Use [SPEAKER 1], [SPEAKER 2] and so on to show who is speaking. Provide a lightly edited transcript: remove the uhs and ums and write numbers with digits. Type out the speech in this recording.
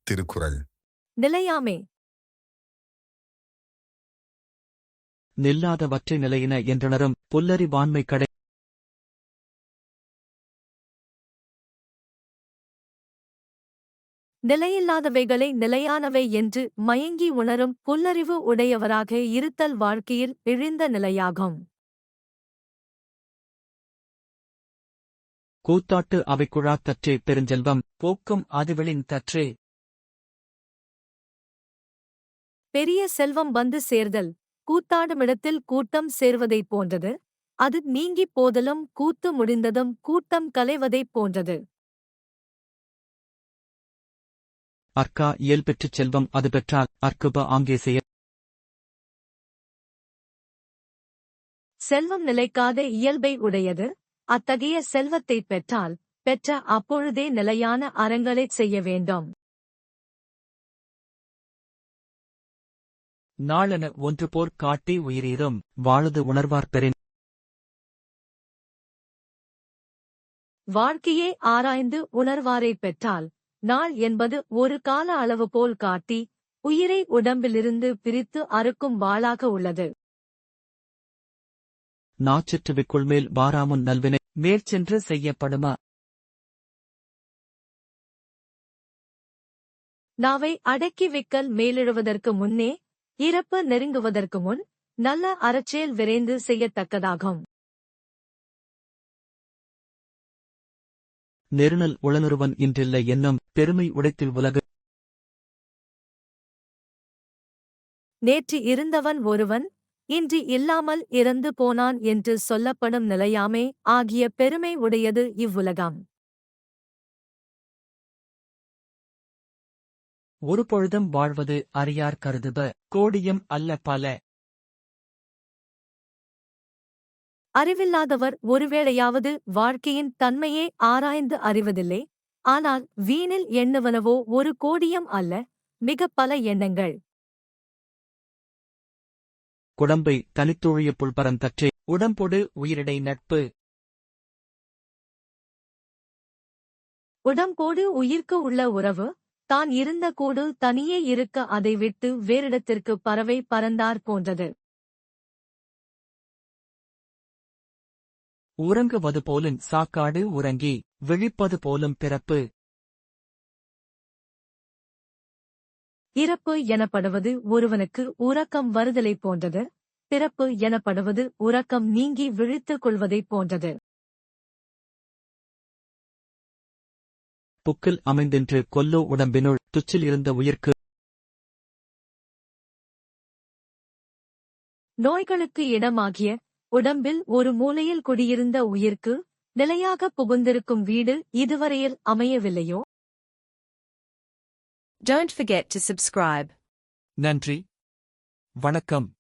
[SPEAKER 1] திருக்குறள்.
[SPEAKER 2] நிலையாமே.
[SPEAKER 3] நில்லாதவற்றை நிலையின என்றுணரும் புல்லறிவாண்மை கடை.
[SPEAKER 2] நிலையில்லாதவைகளை நிலையானவை என்று மயங்கி உணரும் புல்லறிவு உடையவராக இருத்தல் வாழ்க்கையில் இழிந்த நிலையாகும்.
[SPEAKER 3] கூத்தாட்டு அவைக்குழாத் தற்றே பெருஞ்செல்வம் போக்கும் அதுவெளின் தற்றே.
[SPEAKER 2] பெரிய செல்வம் வந்து சேர்தல் கூத்தாடுமிடத்தில் கூட்டம் சேர்வதைப் போன்றது. அது நீங்கிப் போதலும் கூத்து முடிந்ததும் கூட்டம் கலைவதைப் போன்றது.
[SPEAKER 3] அற்கா இயல் பெற்றுச் செல்வம் அது பெற்றால் அற்குப ஆங்கே செய்ய.
[SPEAKER 2] செல்வம் நிலைக்காத இயல்பை உடையது. அத்தகைய செல்வத்தைப் பெற்றால் பெற்ற அப்பொழுதே நிலையான அறங்களைச் செய்ய வேண்டும்.
[SPEAKER 3] நாளென ஒன்று போர் காட்டி உயிரீரும் வாழுது உணர்வார் பெறின்.
[SPEAKER 2] வாழ்க்கையே ஆராய்ந்து உணர்வாரைப் பெற்றால் நாள் என்பது ஒரு கால அளவு போல் காட்டி உயிரை உடம்பிலிருந்து பிரித்து அறுக்கும் வாளாக உள்ளது.
[SPEAKER 3] நாச்சிற்றுவிக்குள்மேல் வாராமுன் நல்வினை மேற்சென்று செய்யப்படுமா.
[SPEAKER 2] நாவை அடக்கி விக்கல் மேலிழுவதற்கு முன்னே இறப்பு நெருங்குவதற்கு முன் நல்ல அறச்செயல் விரைந்து செய்யத்தக்கதாகும்.
[SPEAKER 3] நெருநல் உளனுருவன் இன்றில்லை என்னும் பெருமை உடைத்தில் உலகு.
[SPEAKER 2] நேற்று இருந்தவன் ஒருவன் இன்று இல்லாமல் இறந்து போனான் என்று சொல்லப்படும் நிலையாமை ஆகிய பெருமை உடையது இவ்வுலகம்.
[SPEAKER 3] ஒரு பொழுதும் வாழ்வது அறியார் கருதுப கோடியும் அல்ல பல.
[SPEAKER 2] அறிவில்லாதவர் ஒருவேளையாவது வாழ்க்கையின் தன்மையே ஆராய்ந்து அறிவதில்லை. ஆனால் வீணில் எண்ணுவனவோ ஒரு கோடியும் அல்ல, மிகப் பல எண்ணங்கள்.
[SPEAKER 3] குடம்பை தனித்தொழிய புல்பரம் தற்றே உடம்பொடு உயிரிடை நட்பு.
[SPEAKER 2] உடம்போடு உயிர்க்கு உள்ள உறவு தான் இருந்த கூடு தனியே இருக்க அதை விட்டு வேறிடத்திற்கு பறவை பறந்தார் போன்றது.
[SPEAKER 3] உறங்குவது போலும் சாக்காடு உறங்கி விழிப்பது போலும் பிறப்பு.
[SPEAKER 2] இறப்பு எனப்படுவது ஒருவனுக்கு உறக்கம் வருதலைப் போன்றது. பிறப்பு எனப்படுவது உறக்கம் நீங்கி விழித்துக் கொள்வதைப் போன்றது.
[SPEAKER 3] புக்கில் அமைந்தென்று கொல்லோ உடம்பினுள் துச்சில் இருந்த உயிர்க்கு.
[SPEAKER 2] நோய்களுக்கு இடமாகிய உடம்பில் ஒரு மூலையில் குடியிருந்த உயிர்க்கு நிலையாக புகுந்திருக்கும் வீடு இதுவரையில் அமையவில்லையோ?
[SPEAKER 4] Don't forget to subscribe.
[SPEAKER 3] நன்றி, வணக்கம்.